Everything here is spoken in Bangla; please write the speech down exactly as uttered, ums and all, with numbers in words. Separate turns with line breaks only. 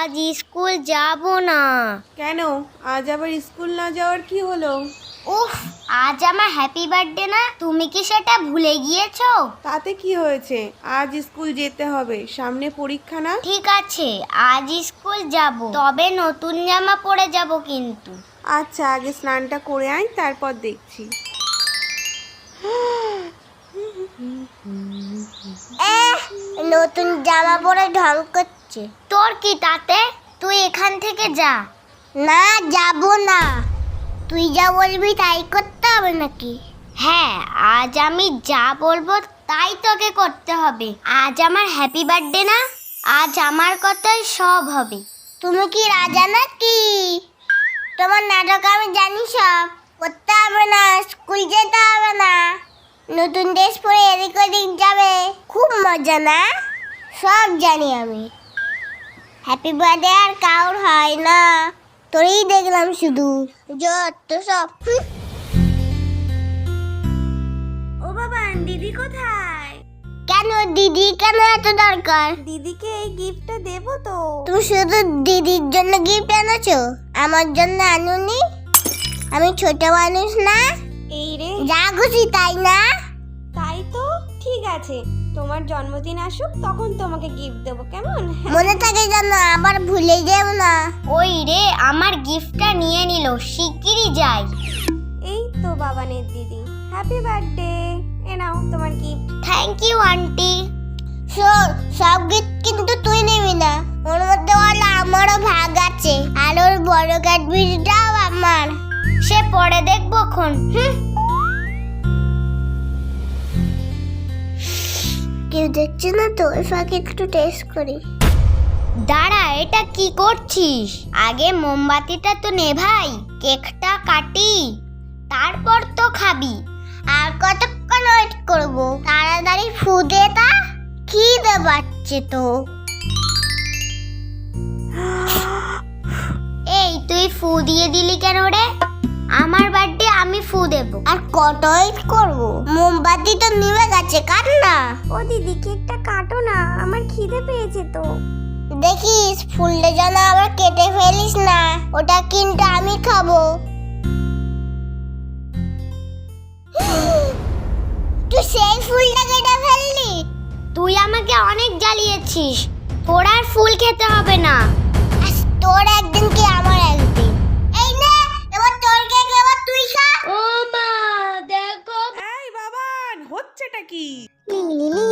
আজ স্কুল যাব না।
কেন? আজ আবার স্কুল না যাওয়ার কি হলো?
উফ, আজ আমার হ্যাপি বার্থডে না, তুমি কি সেটা ভুলে গিয়েছো?
তাতে কি হয়েছে? আজ স্কুল যেতে হবে, সামনে পরীক্ষা না?
ঠিক আছে, আজ স্কুল যাব, তবে নতুন জামা পরে যাব কিন্তু।
আচ্ছা, আগে স্নানটা করে আয়, তারপর দেখছি।
নতুন জামা পরে ঢং করছে। তোর কি তাতে? তুই এখান থেকে যা। না, যাব না। তুই যা বলবি তাই করতে হবে নাকি? হ্যাঁ, আজ আমি যা বলবো তাই তোকে করতে হবে। আজ আমার হ্যাপি বার্থডে না, আজ আমার কথাই সব হবে। তুমি কি রাজা নাকি? তোমার নাটক আমি জানি সব। করতে হবে না, স্কুল যেতে হবে না, নতুন ড্রেস পরে এদিক ওদিক যাবে, খুব মজা না? সব জানি আমি। হ্যাপি বার্থডে আর কাউর হয় না, তোরই দেখলাম শুধু। যত সব।
ও বাবা, দিদি কোথায়?
কেন দিদি কেন এত দরকার?
দিদিকে এই গিফটটা দেবো তো।
তুমি শুধু দিদির জন্য গিফট এনেছো, আমার জন্য আনুনি? আমি ছোট মানুষ না?
এই রে,
যা খুশি তাই না?
তাই তো। ঠিক আছে, তোমার জন্মদিন আসুক তখন তোমাকে গিফট দেবো, কেমন?
মনে থাকে যেন, আবার ভুলে যেও না। ওই রে, আমার গিফটটা নিয়ে নিল, শিগগিরই যাই।
এই তো বাবানের দিদি, হ্যাপি বার্থডে। এ নাও তোমার গিফট।
Thank you aunty. শোন, সব গিফট কিন্তু তুই নিবি না, ওর মধ্যে বলে আমারও ভাগ আছে, আর ওর বড় ক্যাডবেরিটাও আমার। সে পরে দেখবো খন। কেউ দেখছে না তো, ওই ফাঁকে একটু টেস্ট করি। দাঁড়া, এটা কি করছিস? আগে মোমবাতিটা তো নেভাই, কেকটা কাটি, তারপর তো খাবি। আর কতক্ষণ ওয়েট করব? তাড়াতাড়ি ফু দে তা, খিদে পাচ্ছে তো। এই তুই ফু দিয়ে দিলি কেন রে? আমার বার্থডে, আমি ফু দেব। আর কত ওয়েট করব? মোমবাতি তো নিভে গেছে, কাট না।
ও দিদি, কেকটা কাটো না, আমার খিদে পেয়েছে তো।
দেখিস ফুলটা যেন আবার কেটে ফেলিস না, ওটা কিন্তু আমি খাবো। তুই সেই ফুলটা কেটে ফেললি? তুই আমাকে অনেক জ্বালিয়েছিস, তোর আর ফুল খেতে হবে না। আজ তোর একদিন কি আমার একদিন। এই নে, এবার তোর কেক, এবার তুই খা।
ও মা, দেখো। এই বাবান, হচ্ছেটা কি?
লিলি